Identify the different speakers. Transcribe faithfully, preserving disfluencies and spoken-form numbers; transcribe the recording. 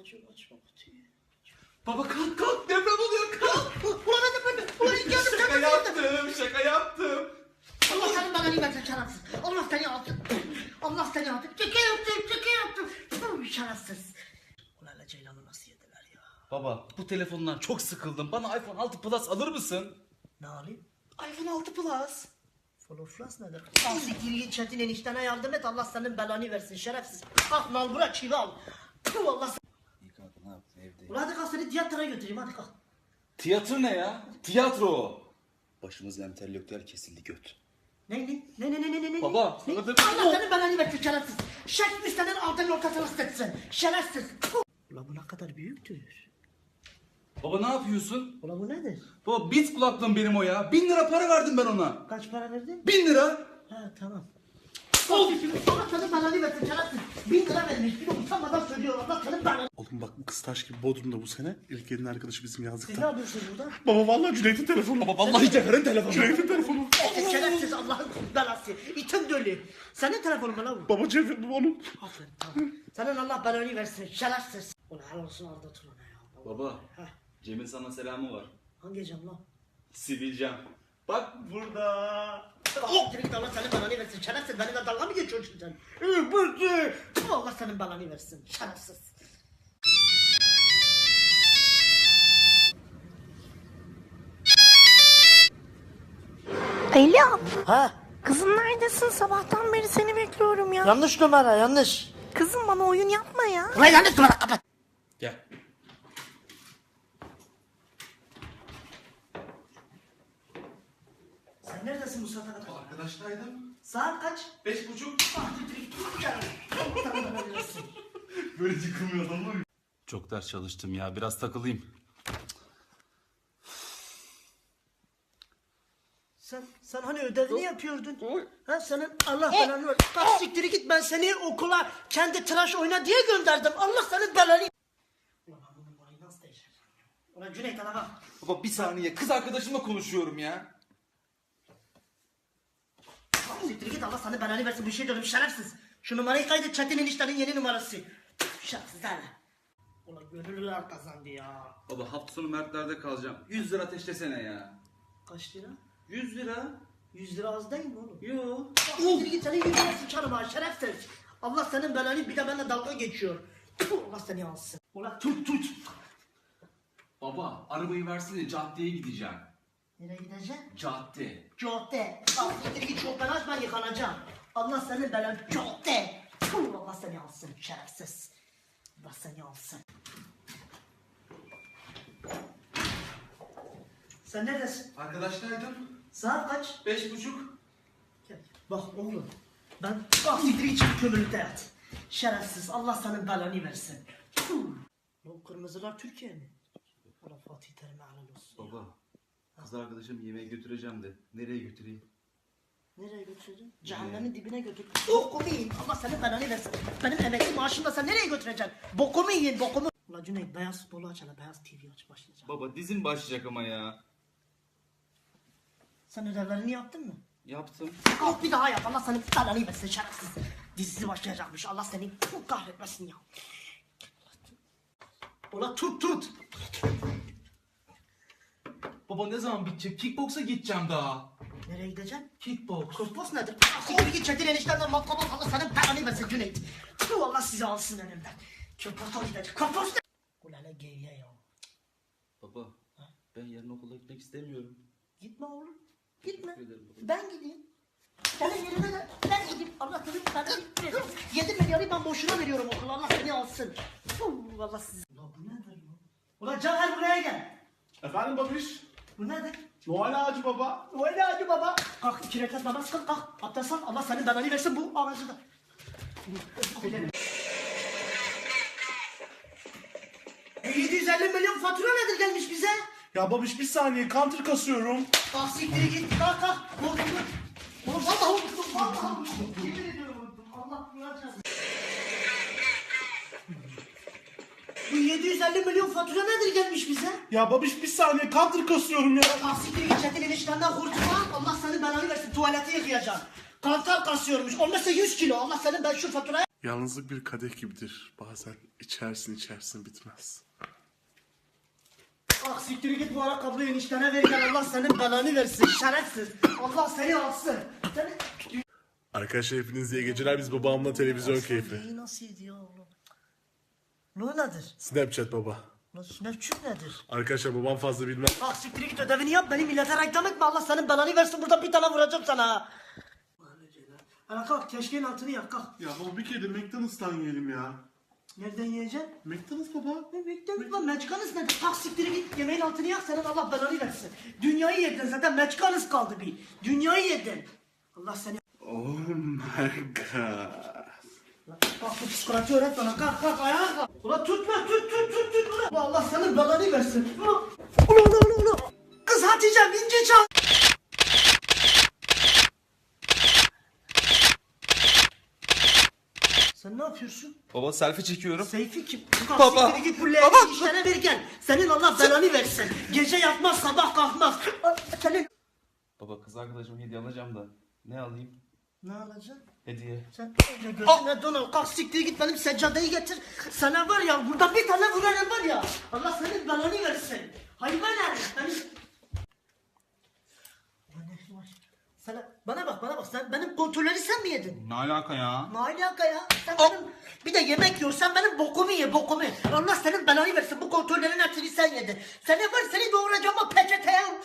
Speaker 1: açıyor açma kutuyu.
Speaker 2: Baba kalk kalk, deprem oluyor, kalk.
Speaker 1: Ulan hadi ben ulan geldim
Speaker 2: Şaka
Speaker 1: geldim.
Speaker 2: yaptım, şaka yaptım.
Speaker 1: Allah senin bana nimetin şerefsiz. Allah seni alsın. Allah seni alsın. Çeke yaptım çeke yaptım. Puh, şerefsiz. Ulan hele Ceylan'ı nasıl yediler ya?
Speaker 2: Baba bu telefondan çok sıkıldım. Bana iPhone altı Plus alır mısın?
Speaker 1: Ne alayım?
Speaker 2: iPhone altı Plus.
Speaker 1: Floflas nedir? Siktir Çetin eniştene yardım et. Allah senin belanı versin şerefsiz. Kalk nal bırak çivi al. Puh, Allah sen.
Speaker 2: İyi kanka, ne yaptın evde?
Speaker 1: Ulan hadi kalk seni tiyatroya götüreyim hadi kalk.
Speaker 2: Tiyatro ne ya? Tiyatro o. Başımız entelektüel kesildi göt.
Speaker 1: Ne ne ne ne ne ne ne?
Speaker 2: Baba,
Speaker 1: ne?
Speaker 2: sana da-
Speaker 1: Allah senin belanı versin şerefsiz. Şerefsiz müstenin altının ortasına sıçsın. Şerefsiz. Puh. Ulan bu ne kadar büyüktür.
Speaker 2: Baba ne yapıyorsun?
Speaker 1: Ulan bu nedir?
Speaker 2: Baba Beats kulaklığım benim o ya. Bin lira para verdim ben ona.
Speaker 1: Kaç para verdin?
Speaker 2: Bin lira.
Speaker 1: Ha tamam. Of! Allah senin belanı versin şerefsiz. Bin lira vermiş. Bir de utanmadan söylüyor. Allah senin belanı.
Speaker 3: Oğlum bak bu kız taş gibi Bodrum'da bu sene. İlk elin arkadaşı bizim
Speaker 1: Siz ne
Speaker 3: yazlıkta.
Speaker 1: yapıyorsunuz burada?
Speaker 3: Baba vallahi Cüneyt'in telefonu.
Speaker 2: Baba vallahi Cevher'in telefonu.
Speaker 3: Cüneyt'in telefonu.
Speaker 1: Evet, şerefsiz Allah'ın belası. İtin dölü. Senin telefonun mu lan bu?
Speaker 3: Baba Cevher bu onun.
Speaker 1: Aferin tamam. Senin Allah belanı versin şerefsiz. Ulan helal olsun Arda Turan'a ya.
Speaker 2: Baba
Speaker 1: Heh.
Speaker 2: Cem'in sana selamı var.
Speaker 1: Hangi cam lan?
Speaker 2: Sivilcem. Bak burada.
Speaker 1: Oh! Direkt Allah senin belanı versin şerefsiz. Benimle dalga mı geçiyorsun sen? Ee, bıdı. Allah senin belanı versin şerefsiz.
Speaker 4: Alo,
Speaker 1: Ha?
Speaker 4: kızım neredesin? Sabahtan beri seni bekliyorum ya.
Speaker 1: Yanlış numara yanlış.
Speaker 4: Kızım bana oyun yapma ya.
Speaker 1: Ulan yanlış numara kapat.
Speaker 2: Gel.
Speaker 1: Sen neredesin bu saate kadar?
Speaker 2: Arkadaştaydım.
Speaker 1: Saat kaç?
Speaker 2: Beş buçuk.
Speaker 1: Ah, direkt gel. Allah senin belanı versin.
Speaker 2: Böyle yıkılmıyor adam mı? Çok ders çalıştım ya. Biraz takılayım.
Speaker 1: Sen, sen hani ödevini yapıyordun. Ha senin Allah belanı ver. Kalk siktiri git ben seni okula kendi tıraş oyna diye gönderdim. Allah senin belanı. Ulan ben bu numarayı nasıl değiştireceğim? Ulan Cüneyt ana bak.
Speaker 2: Baba bir saniye. Kız arkadaşımla konuşuyorum ya.
Speaker 1: Kalk siktiri git Allah senin belanı versin. Bir şey diyorum şerefsiz. Şu numarayı kaydet Çetin eniştenin yeni numarası. Şerefsiz hala. Ulan gönüllüler kazandı ya.
Speaker 2: Baba hafta sonu Mertler'de kalacağım. Yüz lira ateşlesene ya.
Speaker 1: Kaç lira?
Speaker 2: Yüz lira?
Speaker 1: Yüz lira az değil mi oğlum?
Speaker 2: Yo.
Speaker 1: Siktiri git senin yüzüne sıçarım ha şerefsiz. Allah senin belanı bir de benimle dalga geçiyor. Puh, Allah seni alsın. Ulan tut tut.
Speaker 2: Baba arabayı versene, caddeye gideceğim.
Speaker 1: Nereye gideceksin?
Speaker 2: Cadde.
Speaker 1: Cadde. Al siktir git çok ben açma yıkanacağım. Allah senin belanı cadde. Puh, Allah seni alsın şerefsiz. Allah seni alsın. Sen neredesin?
Speaker 2: Arkadaştaydım.
Speaker 1: Saat kaç?
Speaker 2: Beş buçuk.
Speaker 1: Gel. Bak oğlum. Ben bak siktir git şimdi kömürlükte yat. Şerefsiz. Allah senin belanı versin. Puh. Bu kırmızılar Türkiye mi? Allah Fatih Terim'e helal olsun.
Speaker 2: Baba. Kız arkadaşım yemeğe götüreceğim de. Nereye götüreyim?
Speaker 1: Nereye götüreceksin? Cehennemin dibine götür. Bokumu yiyin. Allah senin belanı versin. Benim emekli maaşımda sen nereye götüreceksin? Bokumu yiyin bokumu. Ulan Cüneyt beyaz futbolu aç hele. Beyaz T V aç başlayacağım.
Speaker 2: Baba dizim başlayacak ama ya.
Speaker 1: Sen ödevlerini yaptın mı?
Speaker 2: Yaptım.
Speaker 1: Kalk bir daha yap. Allah senin belanı versin şerefsiz. Dizisi başlayacakmış. Allah seni kahretmesin ya. Ulan tut tut.
Speaker 2: Baba ne zaman bitecek? Kickboksa gideceğim daha.
Speaker 1: Nereye gideceksin?
Speaker 2: Kickboks.
Speaker 1: Kosmos nedir? Siktir git Çetin eniştenden matkabı Allah senin belanı versin Cüneyt. Tüh Allah sizi alsın önümden. Köpürtü gidecek. Kosmos ne? Ulan ne geyye ya.
Speaker 2: Baba ben yarın okula gitmek istemiyorum.
Speaker 1: Gitme oğlum. Gitme.
Speaker 2: Teşekkür ederim baba.
Speaker 1: Ben gideyim. Senin yerine de ben gideyim. Allah seni belanı versin. Yedi milyarı ben boşuna veriyorum okula. Allah seni alsın. Puh, Allah sizi. Ulan bu nedir lan? Ulan Caner buraya gel.
Speaker 3: Efendim babiş?
Speaker 1: Bu nedir?
Speaker 3: Noel ağacı baba.
Speaker 1: Öyle hadi baba. Kalk iki rekat namaz kıl kalk. Abdest al. Allah senin belanı versin bu ağacı da. E, yedi yüz elli milyon fatura nedir gelmiş bize?
Speaker 3: Ya babiş bir saniye counter kasıyorum.
Speaker 1: Ah siktiri git kalk kalk. Unuttum. Oğlum vallahi unuttum. Vallahi unuttum. Yemin ediyorum unuttum. Allah kullanacağız. Bu yedi yüz elli milyon fatura nedir gelmiş bize?
Speaker 3: Ya babiş bir saniye counter kasıyorum ya.
Speaker 1: Ah siktiri git Çetin eniştenden kurtulma. Allah senin belanı versin tuvaleti yıkayacaksın. Kantar kasıyormuş. Olmazsa yüz kilo. Allah senin ben şu faturaya...
Speaker 3: Yalnızlık bir kadeh gibidir. Bazen içersin içersin bitmez.
Speaker 1: Ah siktir git bu ayakkabıyı eniştene ver gel Allah senin belanı versin şerefsiz. Allah seni alsın. Seni...
Speaker 3: Arkadaşlar hepiniz iyi geceler. Biz babamla televizyon keyfi.
Speaker 1: Neyi nasıl ediyor oğlum? Ne nedir?
Speaker 3: Snapchat baba.
Speaker 1: Lan Snapchat nedir?
Speaker 3: Arkadaşlar babam fazla bilmez.
Speaker 1: Ah siktir git ödevini yap beni millete reklam etme Allah senin belanı versin burada bir tane vuracağım sana. Ana kalk keşkeğin altını yak kalk.
Speaker 3: Ya baba bir kere de McDonald's'tan yiyelim ya.
Speaker 1: Nereden yiyeceksin?
Speaker 3: McDonald's baba.
Speaker 1: Ne bekliyorsun lan meçkanız nedir? Kalk siktir git yemeğin altını yak senin Allah belanı versin. Dünyayı yedin zaten meçkanız kaldı bir. Dünyayı yedin. Allah seni...
Speaker 3: Oh my god.
Speaker 1: Kalk bu psikoloji öğret bana kalk kalk ayağa kalk. Ulan tut lan tut tut tut tut ulan. Ulan Allah senin belanı versin. Ulan ulan ulan ulan. Kız Hatice'm ince çal. Sen ne yapıyorsun?
Speaker 2: Baba selfie çekiyorum.
Speaker 1: Seyfi kim?
Speaker 2: Baba.
Speaker 1: Baba. Siktir git bu leğeni
Speaker 2: Baba.
Speaker 1: işlere ver gel. Senin Allah belanı versin. Gece yatmaz sabah kalkmaz. Al, Senin...
Speaker 2: Baba kız arkadaşıma hediye alacağım da. Ne alayım?
Speaker 1: Ne alacaksın?
Speaker 2: Hediye.
Speaker 1: Sen önce gözüne don al. Kalk siktir git benim seccadeyi getir. Sana var ya burada bir tane vuranım var ya. Allah senin belanı versin. Hayvan herif. Benim... Ulan ne var? Sana, bana bak bana bak sen benim kontrolleri sen mi yedin?
Speaker 2: Ne alaka ya?
Speaker 1: Ne alaka ya? Sen benim bir de yemek yiyorsan benim bokumu ye bokumu. Allah senin belanı versin bu kontrollerin hepsini sen yedin. Seni var seni doğuracağım o peçeteye.